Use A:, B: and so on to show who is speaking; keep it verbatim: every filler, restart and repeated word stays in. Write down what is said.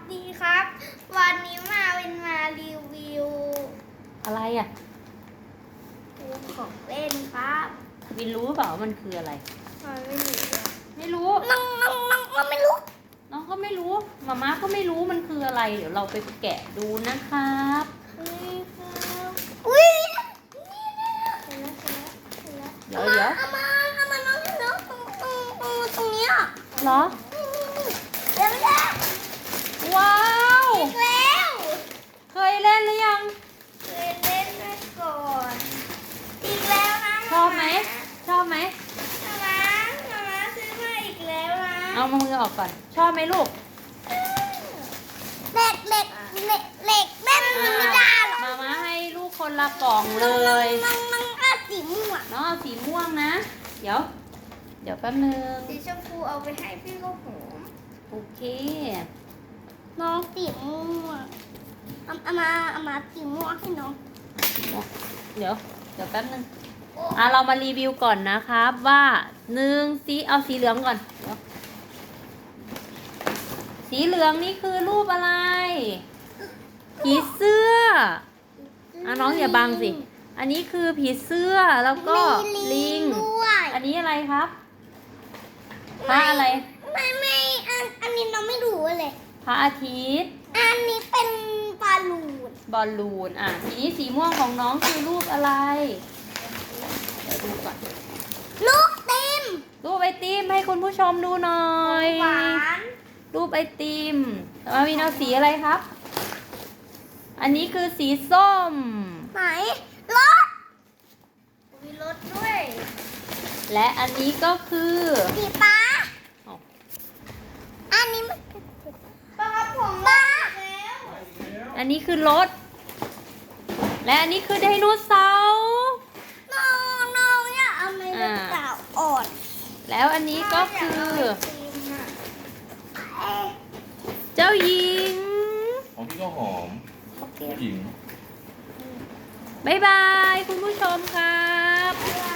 A: ดีครับ วันนี้มาเป็นมารีวิว
B: อะไรอ่ะ
A: ของเล่นครับ
B: วินรู้เปล่าว่ามันคืออะไร
A: มันไม่รู้อะ
B: ไม่รู้
A: น้องน้องน้องน้องไม่รู้
B: น้องก็ไม่รู้มาม่าก็ไม่รู้มันคืออะไร เดี๋ยวเราไปแกะดูนะครับ
A: เฮ้ยครับอุ้ยนี่นี่เห็นแล้วเห็นแล้วเห็นแล้ว
B: เดี๋ยวเดี๋ยว
A: เอามาเอามาน้องเห็นแล้วตรงตรงตรงตรงเนี้ย
B: เหรอ
A: นี่นี่นี่เดี๋ยวเดี๋ยว
B: ว้าว
A: อีกแล้ว
B: เคยเล่นหรือยัง
A: เคยเล่นมาก่อน อีกแล้วนะ
B: ชอบไหมชอบไหม
A: มามามามาซื้อมาอีกแล้วนะ
B: เอามือออกก่อน ชอบไหมลูก
A: เหล็กเหล็กเหล็กเหล็กแม่มันไม่ได้หรอก
B: มาม่าให้ลูกคนละกล่องเลย
A: น้องน้องก็สีม่วง
B: น้องเอาสีม่วงนะ เดี๋ยว เดี๋ยวแป๊บนึง
A: สีชมพูเอาไปให้พี่ลูกหม
B: โอเค
A: น้องสีม่วงเอาเอามาเอามาสีม่วงให้น้อง
B: เดี๋ยว เดี๋ยวแป๊บนึง อ่ะเรามารีวิวก่อนนะครับว่าหนึ่งสีเอาสีเหลืองก่อนเดี๋ยวสีเหลืองนี่คือรูปอะไรผีเสื้ออ่ะน้องอย่าบังสิ อันนี้คือผีเสื้อแล้วก็
A: มี
B: ลิง
A: ด้วย
B: อันนี้อะไรครับพระอะไร
A: ไม่ไม่อันอันนี้น้องไม่รู้เลย
B: พระอาทิตย์
A: อันนี้เป็นบอลลูน
B: บอลลูนอ่ะทีนี้สีม่วงของน้องคือรูปอะไรเดี๋ยวดูก่อน
A: ลูกเต็ม
B: รูปไอติมให้คุณผู้ชมดูหน่อย
A: หวาน
B: รูปไอติมมาวินเอาสีอะไรครับ อันนี้คือสีส้ม
A: ไหนรถมีรถด้วย
B: และอันนี้ก็คือ
A: สีฟ้า
B: อ๋อ
A: อันนี้มันป้าครับผมป้าแล้ว
B: อันนี้คือรถ และอันนี้คือไดโนเสาร์
A: น้องน้องเนี่ยเอาไม่ได้สาวอ่อน
B: แล้วอันนี้ก็คือ
A: เอ๊ะ
B: เจ้าหญิง
C: ของพี่ก็หอม
A: โอเค
C: ผู้หญิง
B: บ๊ายบายคุณผู้ชมครับ
A: บ๊ายบาย